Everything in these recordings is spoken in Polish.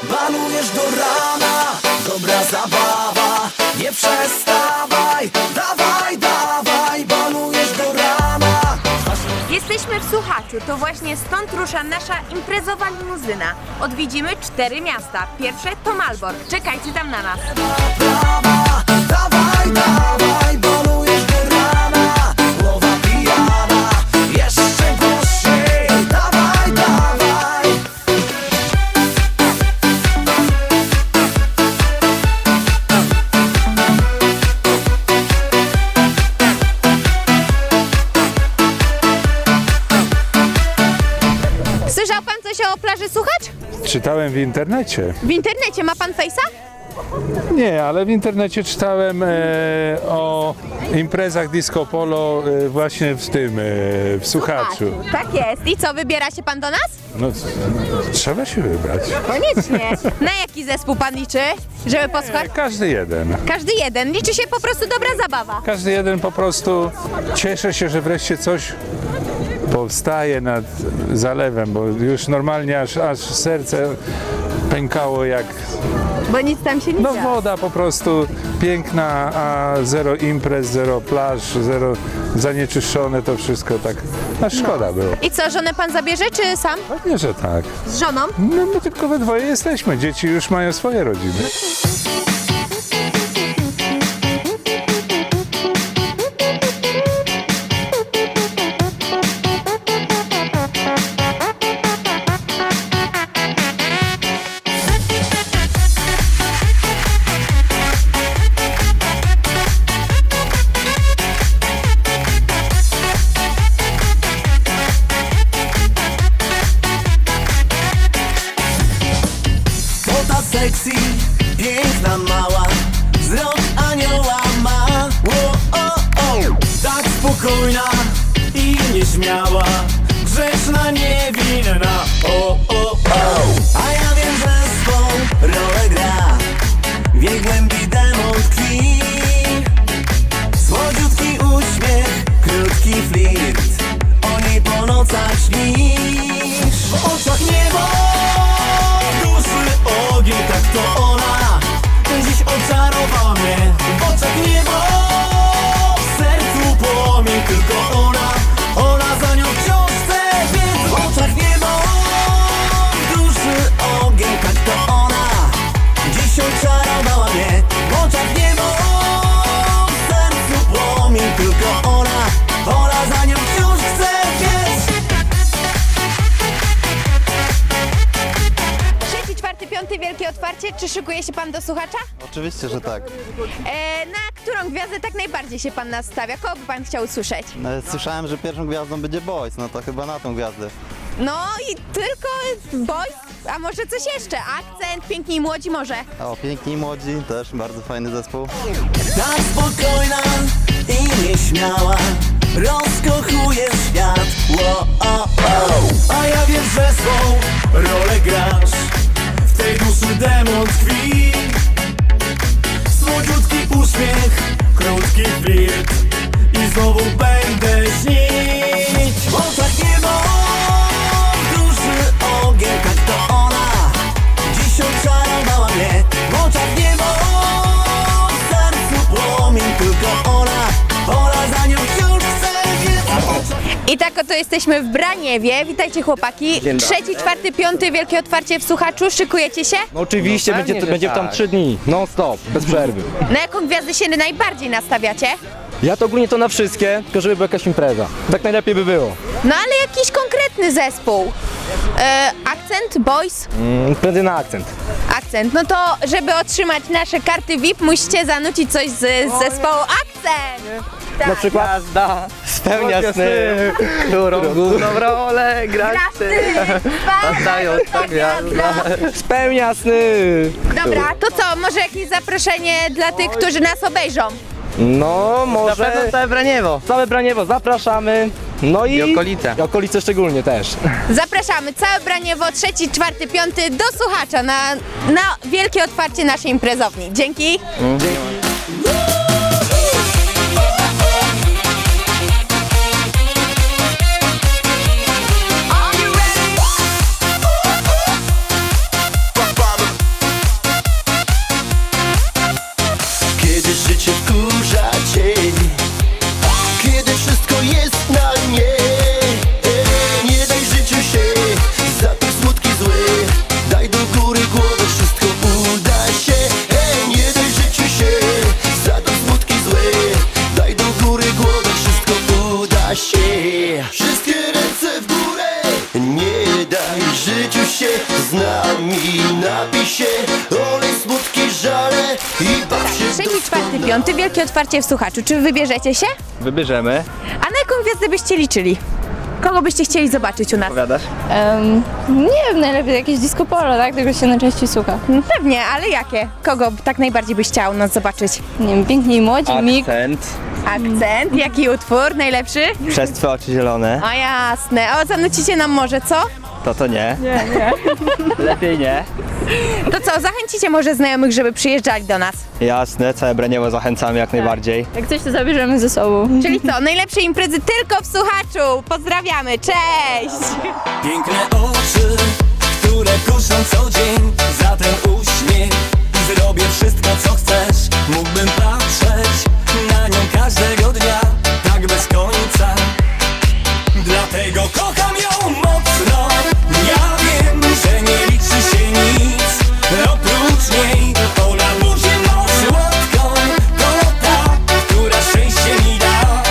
balujesz do rana. Dobra zabawa, nie przestawaj. Dawaj, dawaj, balujesz do rana. Jesteśmy w Słuchaczu, to właśnie stąd rusza nasza imprezowa limuzyna. Odwiedzimy 4 miasta. Pierwsze to Malbork. Czekajcie tam na nas. Prawa, dawaj, dawaj, balujesz do rana. Głowa pijana, jeszcze głośniej. Dawaj, dawaj. Słyszał pan coś o plaży Słuchacz? Czytałem w internecie. W internecie ma pan fejsa? Nie, ale w internecie czytałem o imprezach disco polo właśnie w tym, w Słuchaczu. Tak jest. I co, wybiera się pan do nas? No, trzeba się wybrać. Koniecznie. Na jaki zespół pan liczy, żeby posłuchać? Każdy jeden. Każdy jeden. Liczy się po prostu dobra zabawa. Każdy jeden po prostu cieszę się, że wreszcie coś powstaje nad zalewem, bo już normalnie aż serce pękało jak... Bo nic tam się nie No dzieje. woda po prostu piękna, a zero imprez, zero plaż, zero zanieczyszczone to wszystko tak, a szkoda było. I co, żonę pan zabierze, czy sam? Pewnie, że tak. Z żoną? No my tylko we dwoje jesteśmy, dzieci już mają swoje rodziny. To ta sexy, piękna mała, wzrok anioła ma. O, o, o. Tak spokojna i nieśmiała, grzeczna, niewinna. O, o, o. A ja wiem, że swą rolę gra, w jej głębi demon tkwi. Słodziutki uśmiech, krótki flirt, o niej po nocach śnisz. W oczach niebo, duszy ogień, tak to ona dziś oczarowała mnie. W oczach niebo, w sercu płomień, tylko ona za nią wciąż chce. Więc w oczach niebo, w duszy ogień, tak to ona dziś oczarowała mnie. W oczach niebo, w sercu płomień, tylko ona za nią wciąż chce. Więc Trzeci, czwarty, piąty wielkie otwarcie. Czy szykuje się pan do Słuchacza? Oczywiście, że tak. Na którą gwiazdę tak najbardziej się pan nastawia? Kogo by pan chciał usłyszeć? Słyszałem, że pierwszą gwiazdą będzie Boys, no to chyba na tą gwiazdę. No i tylko Boys, a może coś jeszcze? Akcent, piękni i młodzi może? O, Piękni i Młodzi, też bardzo fajny zespół. tak spokojna i nieśmiała, rozkochuje świat. Wo, o, o. A ja wiem, że swą rolę grasz, w tej duszy demon tkwi. Słodziutki uśmiech, krótki flirt i znowu będę śnić. W oczach niebo, w duszy ogień, tak to ona dziś oczarowała mnie. W oczach niebo, w sercu płomień, tylko ona za nią wciąż chce. I tak oto jesteśmy w Braniewie. Witajcie chłopaki. Trzeci, czwarty, piąty wielkie otwarcie w Słuchaczu. Szykujecie się? No oczywiście, będzie tam 3 dni, non stop, bez przerwy. Na jaką gwiazdę się najbardziej nastawiacie? Ja to ogólnie to na wszystkie, tylko żeby była jakaś impreza. Tak najlepiej by było. No ale jakiś konkretny zespół. Akcent, Boys? Prędzej na akcent. Akcent. No to żeby otrzymać nasze karty VIP, musicie zanucić coś z zespołu Akcent. Tak. Na przykład Gwiazda spełnia sny, którą główną rolę grać ty. Oddają ta gwiazda. spełnia sny. Dobra, to co? Może jakieś zaproszenie dla tych, którzy nas obejrzą? No może Zapraszam całe Braniewo. całe Braniewo zapraszamy. No i okolice. I okolice szczególnie też. Zapraszamy całe Braniewo, trzeci, czwarty, piąty do Słuchacza na wielkie otwarcie naszej imprezowni. Dzięki. piąty wielkie otwarcie w Słuchaczu. Czy wybierzecie się? Wybierzemy. A na jaką gwiazdę byście liczyli? Kogo byście chcieli zobaczyć u nas? Powiadasz? Nie wiem, najlepiej jakieś disco polo, tak? Tego się najczęściej słucha. Pewnie, ale jakie? Kogo tak najbardziej byś chciał u nas zobaczyć? Nie wiem, Piękni i Młodzi, Mig. Akcent. Akcent? Jaki utwór najlepszy? Przez twoje oczy zielone. O jasne. O, zanucicie nam może, co? To nie. Nie. Lepiej nie. To co, zachęcicie może znajomych, żeby przyjeżdżali do nas? Jasne, całe Braniewo zachęcamy jak najbardziej. Jak coś, to zabierzemy ze sobą. Czyli co, najlepsze imprezy tylko w Słuchaczu. Pozdrawiamy, cześć! Piękne oczy, które kuszą co dzień. Za ten uśmiech zrobię wszystko co chcesz. Mógłbym patrzeć na nią każdego dnia, tak bez końca. Dlatego kocham ją mocno. Ja wiem, że nie liczy się nic oprócz niej. Ona buzi mą słodką, to ta, która szczęście mi da.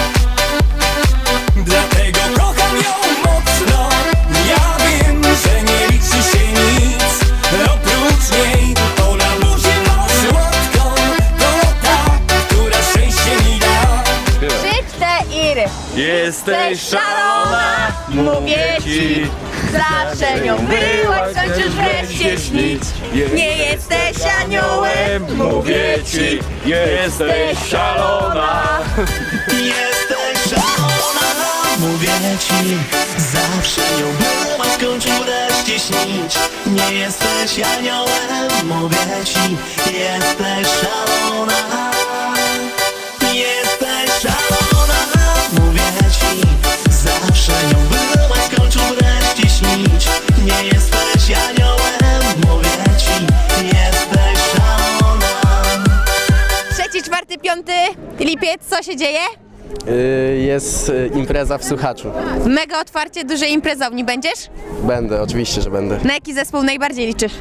Dlatego kocham ją mocno. Ja wiem, że nie liczy się nic oprócz niej. Ona buzi mą słodką, to ta, która szczęście mi da. 3-4. Jesteś szalona, mówię ci. Zawsze nią byłaś, skończysz wreszcie śnić. Nie jesteś aniołem, mówię ci. jesteś szalona. Jesteś szalona, mówię ci. Zawsze nią byłaś, skończył wreszcie śnić. Nie jesteś aniołem, mówię ci. Jesteś szalona. Jesteś szalona, mówię ci. Zawsze nią byłaś, skończył wreszcie śnić. Nie jesteś aniołem, mówię ci. Jesteś szalona. 3, 4, 5 lipiec, co się dzieje? Jest impreza w Słuchaczu. Mega otwarcie dużej imprezowni będziesz? Będę, oczywiście, że będę. Na jaki zespół najbardziej liczysz?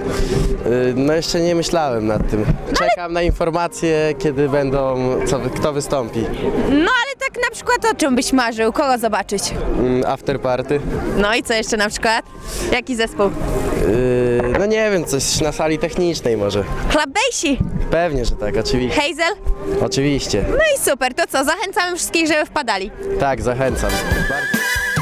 No jeszcze nie myślałem nad tym. Czekam na informacje, kiedy będą, kto wystąpi. No ale tak na przykład o czym byś marzył? Kogo zobaczyć? After party. No i co jeszcze na przykład? Jaki zespół? No nie wiem, coś na sali technicznej może. Club Basie, Pewnie, że tak, oczywiście. Hazel? Oczywiście. No i super, to co? Zachęcamy wszystkich, żeby wpadali. Tak, zachęcam. Bardzo.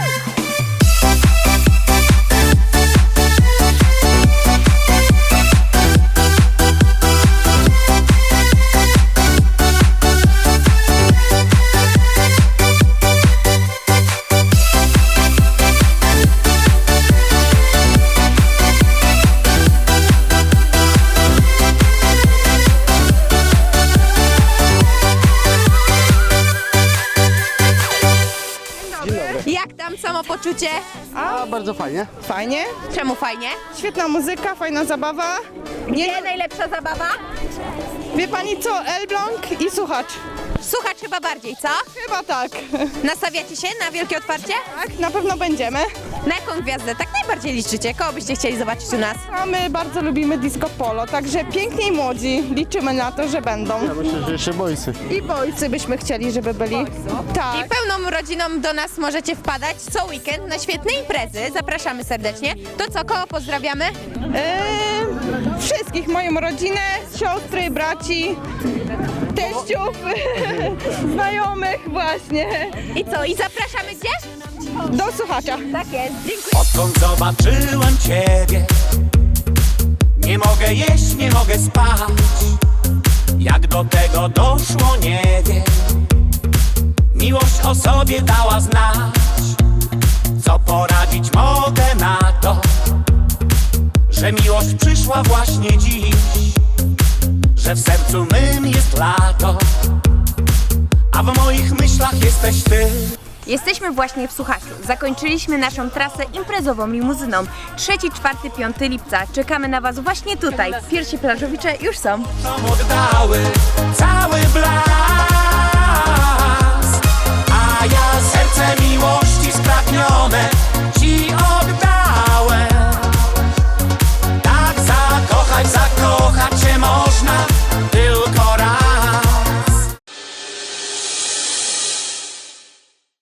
Jak tam samopoczucie? A, bardzo fajnie. Fajnie, Czemu fajnie? świetna muzyka, fajna zabawa. Nie najlepsza zabawa? Wie pani co, Elbląg i Słuchacz. Słuchacz chyba bardziej, co? Chyba tak. Nastawiacie się na wielkie otwarcie? Tak, na pewno będziemy. Na jaką gwiazdę tak najbardziej liczycie? Kogo byście chcieli zobaczyć u nas? A my bardzo lubimy disco polo, także piękni i młodzi. Liczymy na to, że będą. Myślę, że jeszcze boysy. I bojcy byśmy chcieli, żeby byli. I Tak. pełną rodziną do nas możecie wpadać co weekend na świetne imprezy. Zapraszamy serdecznie. To co, kogo pozdrawiamy? Wszystkich, moją rodzinę, siostry, braci, teściów, znajomych właśnie. I co, i zapraszamy gdzie? Do Słuchacza. Tak jest, dziękuję. Odkąd zobaczyłem ciebie, nie mogę jeść, nie mogę spać. Jak do tego doszło, nie wiem. Miłość o sobie dała znać. Co poradzić mogę na to, że miłość przyszła właśnie dziś, że w sercu mym jest lato, a w moich myślach jesteś ty. Jesteśmy właśnie w Słuchaczu. Zakończyliśmy naszą trasę imprezową limuzyną. 3, 4, 5 lipca. Czekamy na Was właśnie tutaj. Pierwsi plażowicze już są. Nam oddały cały blask, a ja serce miło